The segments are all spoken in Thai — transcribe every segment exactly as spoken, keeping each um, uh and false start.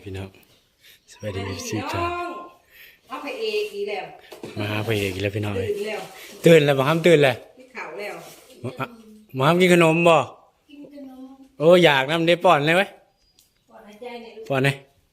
พี่น้องสวัสดีสิจ้าเอาไปเอกอีแล้วมาหาพระเอกอีกแล้วพี่น้องเลยตื่นแล้วตื่นแล้วบ่ห้ามตื่นเลยพี่ข่าวแล้วบ่ห้ามกินขนมบ่โอ้อยากน้ำได้ป้อนเลยไหมปอดหายใจเนี่ยลูกป้อนเลย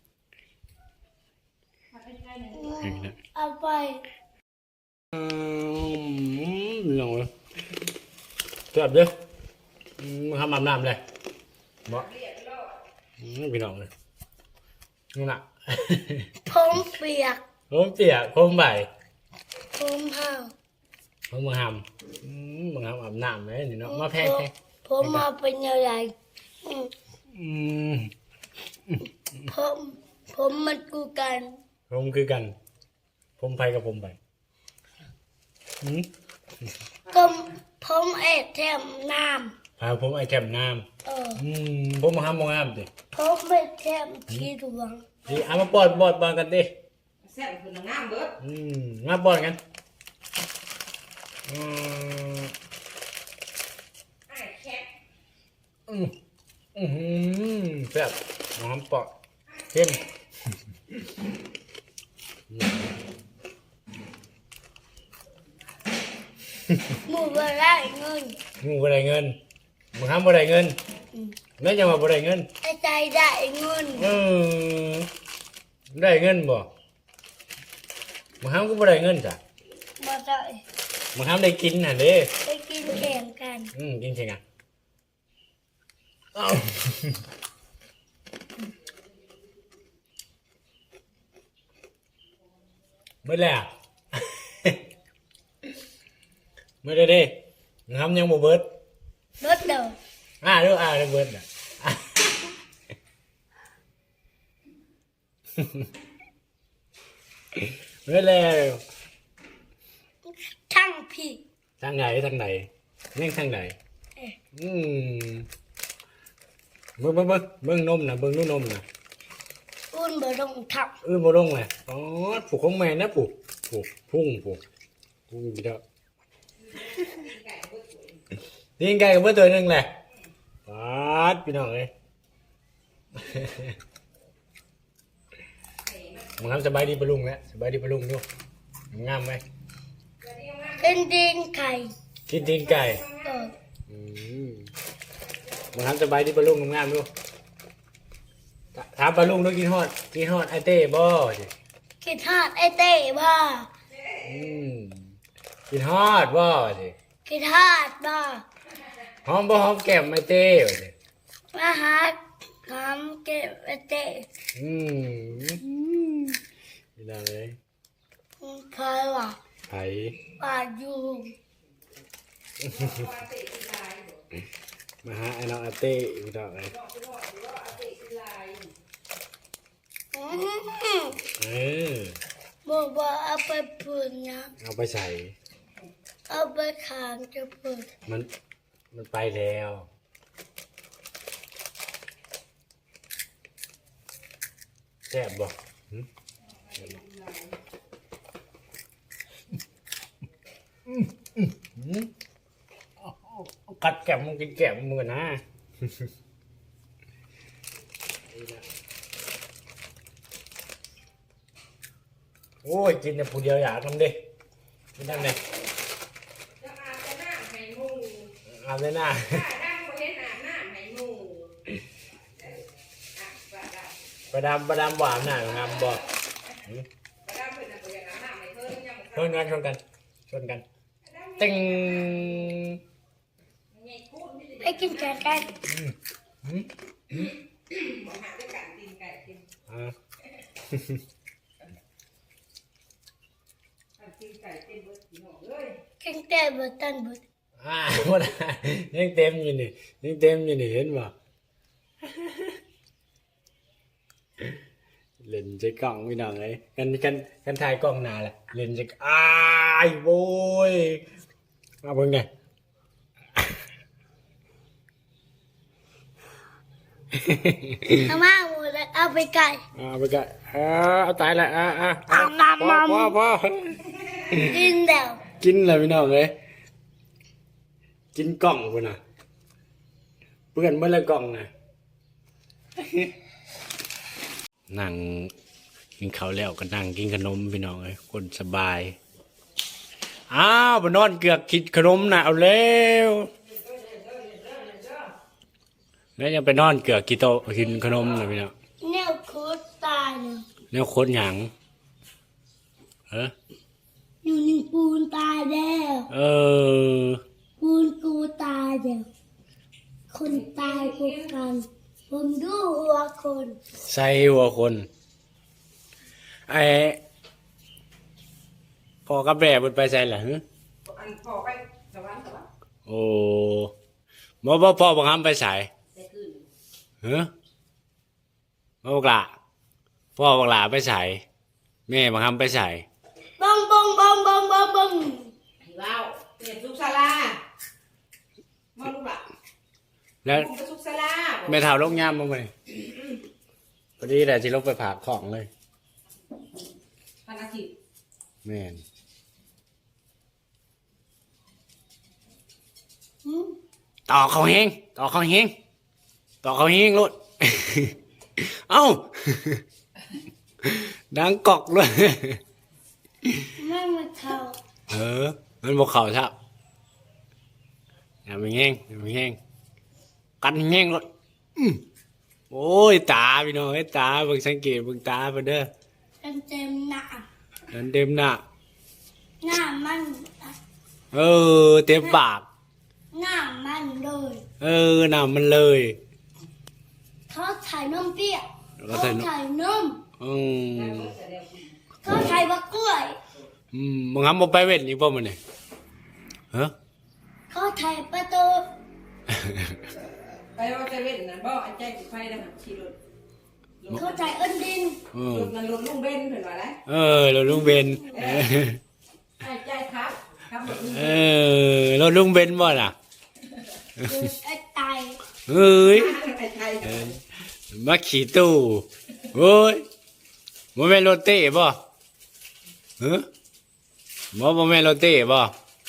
ปอดหายใจเนี่ยเอาไปอืมพี่น้องเลยเจ็บเด้ออืมทำอาบน้ำเลยบ่อืมพี่น้องเลยนู่นน่ะผมเปียกผมเปียกผมใบผมห่าวผมมึงหำอืมมึงหำอาบน้ำเลยนี่เนาะมาแพงแพงผมมาเป็นอะไรอืมอืมผมผมมันกูกันผมคือกัน ผมไปกับผมไปอืมก็ผมเอ็ดแถมน้พาผมไอแคมน้ำเออำอืมผมมาห้ามมองห้ามดิผมเอ็ดแถมที่ดวงดิเอามาปอดบอดบอลกันดิแซ่บคือหนังงามเบิดอืมมาปอดกันอืมไอ้แคทอืมอืมแซ่บน้ำปอดเข้มหมูบะได้เงินงูบ่ได้เงินมึงห้ามบ่ได้เงินแม่จะมาบ่ได้เงินไอ้ใจได้เงินเออได้เงินบ่มึงห้ามก็บ่ได้เงินจ้ะบ่ได้มึงห้ามได้กินน่ะเด้ไปกินแข่งกันอืมกินใช่ไงเอ้าเบิดแล้ว เบิดเลยเด้มึงห้ามยังบ่เบิดรถเดิมอ่าเด้ออ่าเด้อเบิดน่ะ เบิดแล้วช่างผิดทางไหนทางไหนนี่ทางไหนเอ๊ะอืมเบิ่งเบิ่งเบิ่งเบิ่งนมนะเบิ่งนู่นนมนะอุ่นบ่ต้องทับเอื้อบ่ลงเลยอ๋อผูกของแม่นะผูกผูกพุ่งผูกพุ่งกี่เด้อนี่ไก่กับเบิ่งตัวหนึงแหละปาดพี่น้องเอ้ย มึงทำสบายดีปะลุงแล้วสบายดีปะลุงดูงามไหมเป็นดินไข่กินตีนไก่เอออืมมึงทำสบายดีปะลุงงามดูถามปะลุงดูกินฮอดกินฮอดไอเต้บ่สิคิดฮอดไอ้เต้บ่อืมกินฮอดบ่สิคิดฮอดบ่หอมบ่หอมแก้มไอเต้บ่สิมาหาหอมเก็บไอ้เต้อืมนี่นะเลยเคยว่าไผว่าอยู่มาหาไอ้น้องไอเต้อีกดอกเลยอื้อหือเออบอกว่าเอาไปพูดนะเอาไปใส่เอาไปขางจะพูดมันมันไปแล้วแซ่บบ่หึอืมอืมอืมเอาเอาเอากัดแก้มมึงกินแก้มมึงกันนะโอ้ยกินแต่ผู้เดียวอยากทำดิกินทำไงจะอาบจะน้ำให้หมูอาบเลยนะถ้าดังบ่เห็นอาบน้ำให้หมูเอออ่ะว่าได้ประดามประดามหวานหน่อยงามบอกบ่ได้เพิ่นน่ะบ่อยากอาบน้ำให้เพิ่นยังบ่ชนกันชนกันชนกันติงใหญ่พูดไม่ได้ไปกินแกงกันอืมอืมบ่หาด้วยกันตีนไก่กินอ่าอันตีนไก่เต็มเบิดพี่น้องเอ้ยกินแต่บตันบดอ่าหมดยังเต็มอยู่นี่ยังเต็มอยู่นี่เห็นบ่เล่นใจกล้องไม่น้องเลยกันกันกันถ่ายกล้องหนาแหละเล่นใจอ้ายโว้ยมาเบิ่งไงเอามาหมดแล้วเอาไปไก่เอาไปกันอ่าเอาตายละอ่าอ่าเอาน้ำพอมันพอพอกินแล้วกินเลยพี่น้องเลยกินกล่องกูน่ะเปื่อนเมื่อไรกล่องน่ะนั่งกินข้าวแล้วก็นั่งกินขนมพี่น้องเอ้ยคนสบายอ้าวไปนอนเกือกกินขนมนะเอาแล้วแล้วยังไปนอนเกือกกินโตะกินขนมนะพี่น้องแนวโคตรตายเลยแล้วโคตรหยังเอออยู่ในปูนตายแล้วเออปูนกูตายแล้วคนตายกูกัน ผมดูหัวคนใส่หัวคนไอ้พ่อกับแม่เพิ่นไปใส่หลังอันพอไปสวรรค์สวรรค์โอ้บ่บ่พ่อบังคับไปใส่แต่คืนเฮ้อบ่บักหล่ะพ่อบักหล่ะไปใส่แม่บังคับไปใส่บ้องบ้องบ้องบ้องบ้องบ้องไอ้เว้าเป็นสุกศาลามาลูกล่ะแล้วผมเป็นสุกศาลาแม่เฒ่าลงยามบ่มื้อนี้พอดีแหละสิลงไปผากของเลยพันอาทิตย์แม่นหืมต่อเขาเฮงต่อเขาเฮงต่อเขาเฮงโลด เอ้า ดังกอกเลยไม่มาเท่าเออ มันบอกเขาครับอย่าไปแง่งอย่าไปแง่งกันแง่งรถอื้อโอ้ยตาพี่น้องไอ้ยตาเบิ่งสังเกตเบิ่งตาเพิ่นเด้อเต็มเต็มหน้าเดินเต็มหน้าหน้ามันเออ เต็มปากหน้ามันเลยเออหน้ามันเลยเขาถ่ายนมเปรี้ยวแล้วเขาก็ใส่นมถ่ายนมอืมเขาถ่ายบะกล้วยอืมมึงทำบ่ไปเว้นอีกบ่มื้อนี้ฮะเขาถ่ายประตูไปว่าไปเว้นนั่นบ่อันใจสิไฟนะขี่รถเขาถ่ายเอินดินเออรถนั่นรถลุงเบนเพิ่นว่าได้เออเราลุงเบนเออไอ้ใจครับครับรถลุงเออเราลุงเบนบ่ล่ะคือไอ้ตายเอ้ยไอ้ใจเออมาขี่ตู้โอ้ยบ่แม่นรถเต้บ่ฮะบ่บ่แม่นรถเต้บ่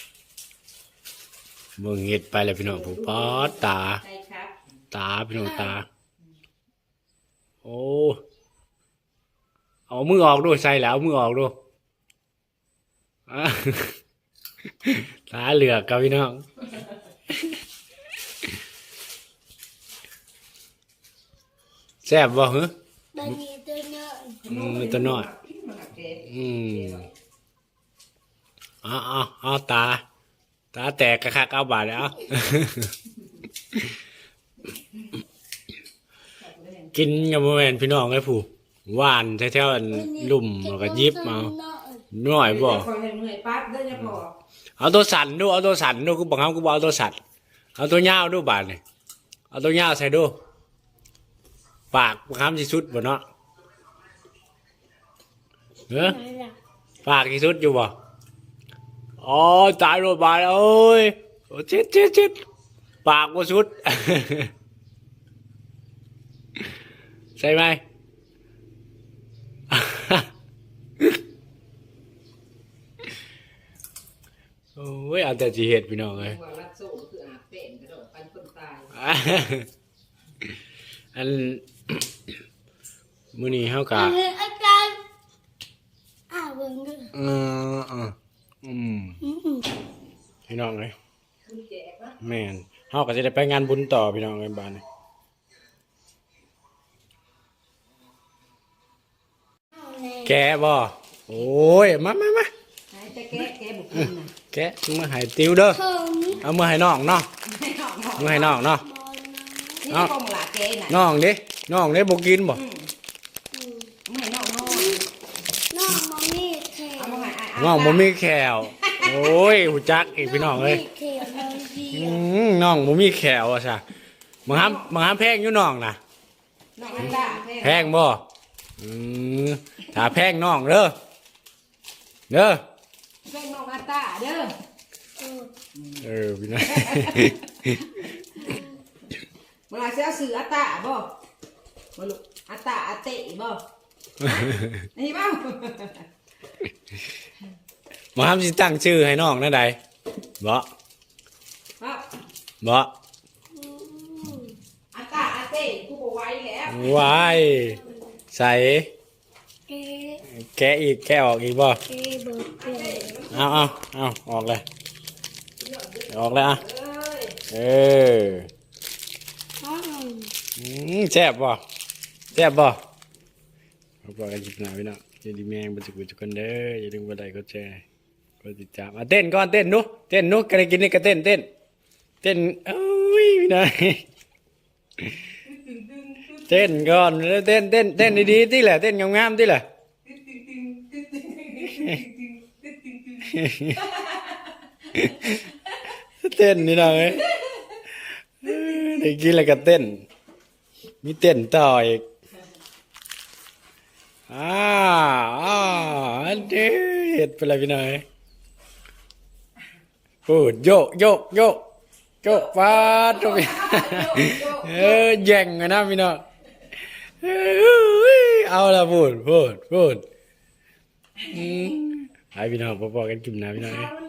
เบิ่งเฮ็ดไปแล้วพี่น้องผู้ปอดตาใจครับตาพี่น้องตา โอ้เอามือออกดูใส่แล้วเอามือออกดูอ่ะ ตาเหลือกกับพี่น้องแซ่บบ่ฮะตอนนี้ตัวเนื้ออืมตัวน้อยมันหักเกอืมเอ๋อาเอาตา ตาแตกกระคักเอาบาทแล้ว กินกับแม่นพี่น้องไอ้ผู้หวานแถวๆอันลุ่มแล้วก็ยิบเอาหน่อยบ่คอยเห็นเหนื่อยปั๊บเด้อจะพอเอาตัวสั่นดูเอาตัวสั่นดูกูบอกเขากูบอกเอาตัวสั่นเอาตัวยาวดูบาทนี่เอาตัวยาวใส่ดูปากบังคับที่สุดบ่เนาะเออไหนล่ะปากที่สุดอยู่บ่อ๋อตายโรดบาทเอ้ยโอ้เจ็ดเจ็ดเจ็ดปากบ่สุด ใช่ไหม โอ้ยเอาแต่จีเห็ดพี่น้องเลยว่ารัดโซ่คืออาบเป็นกระโดดปันคนตายอัน มื้อนี้เฮากะอันนี้อาจารย์อ้าวเบิ่งดูเออเอออืมอืมพี่น้องเลยคุณแจกนะแม่นเฮาก็จะได้ไปงานบุญต่อพี่น้องเลยบ้านนี้เอาแน่แกะบ่โอ้ยมามามาหายใจแก้แก้บุกกินนะแกะมือให้ติวเด้อเพิ่มเอามือให้น้องเนาะให้น้องน้องมือให้น้องเนาะบอลนะนี่ก็มหลาแก้น่ะน้องเด้น้องเด้บ่กินบ่อืมไม่ให้น้องน้องน้องมอมี่เทเอามาให้ไอ้น้องบ่มีแขวโอ้ยหูจักอีกพี่น้องเอ้ยมีเทน้องดีอืมน้องบ่มีแขวอ่ะซะมึงห้ามมึงห้ามแพงอยู่น้องน่ะน้องอันดาแพงบ่อืมถ้าแพงน้องเด้อเด้อแพงน้องอันตาเด้อเออเออพี่น้องเวลาเสียสื่ออัตตาบ่มาลูกอัตตาอัตเตะบ่นี่บ่มึงห้ามสิตั้งชื่อให้น้องนั่นใดบ่ครับบ่อืมอัตตาอัตเตะกูบ่ไหวแล้วว้ายใส่เอ๊ะแกะอีกแกะออกอีกบ่เอ๊ะเบิดเอ๊ะเอาเอาเอาออกเลยออกเลยอ่ะเอออ้าวอืมแซ่บบ่แซ่บบ่เราบอกกันจิบหนาพี่น้องอย่าดีแมงบันจุกุจุกันเด้ออย่าลืมบันไดก็แชร์ก็ติดตามอ่ะเต้นก่อนเต้นนุเต้นนุกันกินนี่ก็เต้นเต้นเต้นเอ้ยพี่น้องเต้นก่อนแล้วเต้นเต้นเต้นดีๆที่แหละเต้นงามๆที่แหละเต้นนี่น้องเอ้ยได้กินแล้วก็เต้นมีเต้นต่ออีกอ่าอ่าอันเด็ดไปเลยพี่น้อยพูดโยกโยกโยกโยกฟาดตรงนี้เออแย่งกันนะพี่น้องเอ้ยเอาละพูดพูดพูดอืมให้พี่น้องพอๆกันกินนะพี่น้อยเอา